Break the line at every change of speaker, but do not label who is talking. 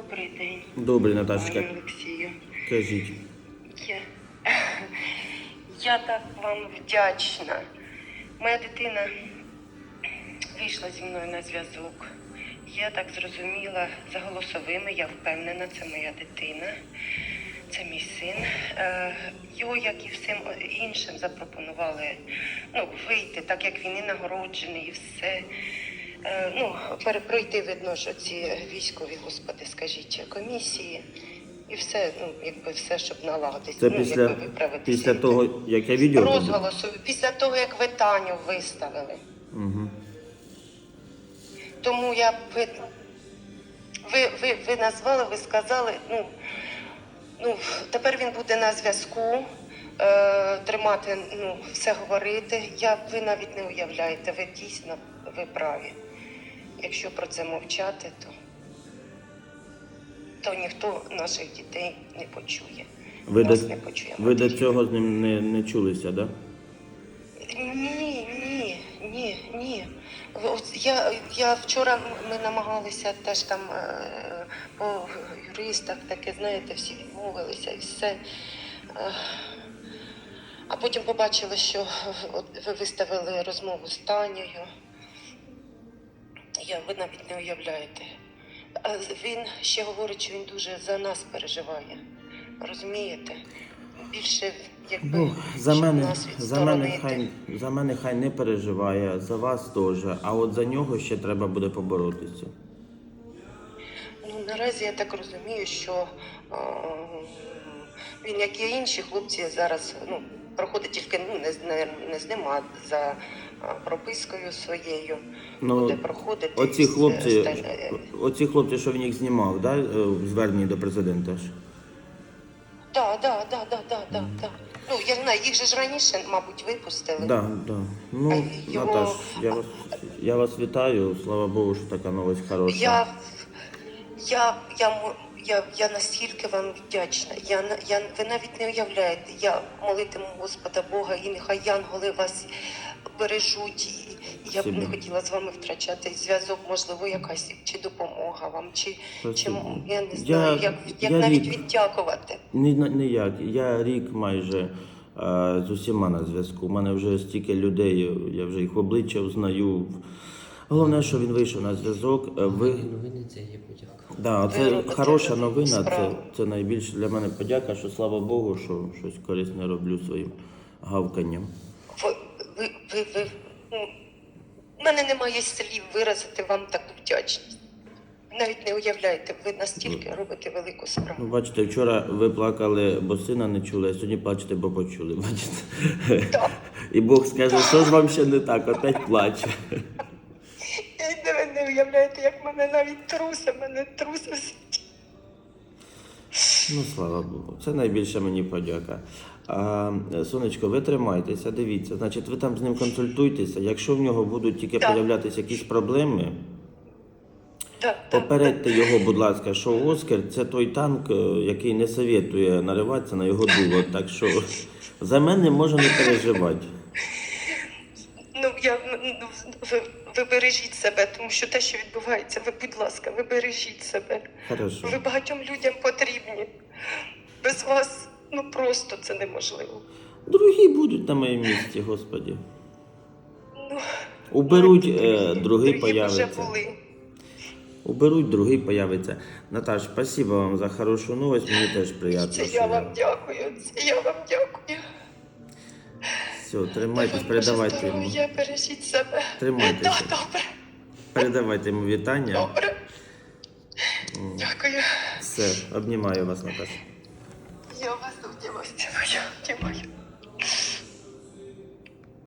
Добрий день,
Добрий,
пане
Наташечка.
Олексію.
Кажіть.
Я, я так вам вдячна. Моя дитина вийшла зі мною на зв'язок. Я так зрозуміла, за голосовими, я впевнена, це моя дитина, це мій син. Його, як і всім іншим, запропонували вийти, так як він і нагороджений, і все. Пройти, видно, що ці військові, господи, скажіть, комісії. І все, все, щоб налагодити.
Це після того, як я відео побачив?
Розголосу, після того, як ви Таню виставили.
Угу.
Тому ви назвали, ви сказали, тепер він буде на зв'язку, тримати, все говорити. Ви навіть не уявляєте, ви дійсно, ви праві. Якщо про це мовчати, то ніхто наших дітей не почує. Нас не почує.
Ви до цього з ним не чулися, так? Да?
Ні. Я вчора, ми намагалися теж там по юристах, таке, знаєте, всі відмовилися і все. А потім побачили, що ви виставили розмову з Танею. Ви навіть не уявляєте. Він ще говорить, що він дуже за нас переживає. Розумієте? Більше, якби,
за мене хай не переживає, за вас теж. А от за нього ще треба буде поборотися.
Наразі я так розумію, що він, як і інші хлопці, зараз проходить тільки не з ним, а за пропискою своєю. Буде проходити.
Оці хлопці, що він їх знімав, да? В зверненні до президента ж?
Так. Я знаю, їх же ж раніше, мабуть, випустили.
Так. Наташ, я вас вітаю. Слава Богу, що така новость хороша.
Я настільки вам вдячна. Ви навіть не уявляєте. Я молитиму Господа Бога, і нехай янголи вас бережуть. Я б не хотіла з вами втрачати зв'язок, можливо, якась чи допомога вам, чи я не знаю, як навіть віддякувати.
Ніяк. Я рік майже з усіма на зв'язку. У мене вже стільки людей, я вже їх в обличчя знаю. Головне, що він вийшов на зв'язок.
Новини це є подяка.
Да, це хороша новина, це найбільше для мене подяка, що слава Богу, що щось корисне роблю своїм гавканням.
У мене немає слів виразити вам таку вдячність. Навіть не уявляєте, ви настільки робите велику справу.
Бачите, вчора ви плакали, бо сина не чули, а сьогодні плачете, бо почули. Бачите?
Так.
І Бог скаже, що ж вам ще не так, опять плаче.
Ви не уявляєте, як мене навіть трусить.
Слава Богу, це найбільше мені подяка. Сонечко, ви тримайтеся, дивіться, значить, ви там з ним консультуйтеся. Якщо в нього будуть тільки появлятися якісь проблеми, попередьте його, будь ласка, що Оскар – це той танк, який не советує нариватися на його дуло. Так що за мене можна не переживати.
Ви бережіть себе, тому що те, що відбувається, будь ласка, ви бережіть себе.
Хорошо.
Ви багатьом людям потрібні. Без вас, просто це неможливо.
Другі будуть на моєму місці, Господі. Уберуть, другий появиться.
Вже були.
Уберуть, другий появиться. Наташ, спасибо вам за хорошу новость, мені теж приємно.
Це я вам дякую,
Все, тримайтесь, передавайте йому.
Бережіть себе.
Тримайтеся.
Добре.
Передавайте йому вітання.
Добре. Дякую.
Все, обнімаю вас, Наташа.
Я вас обнімаю.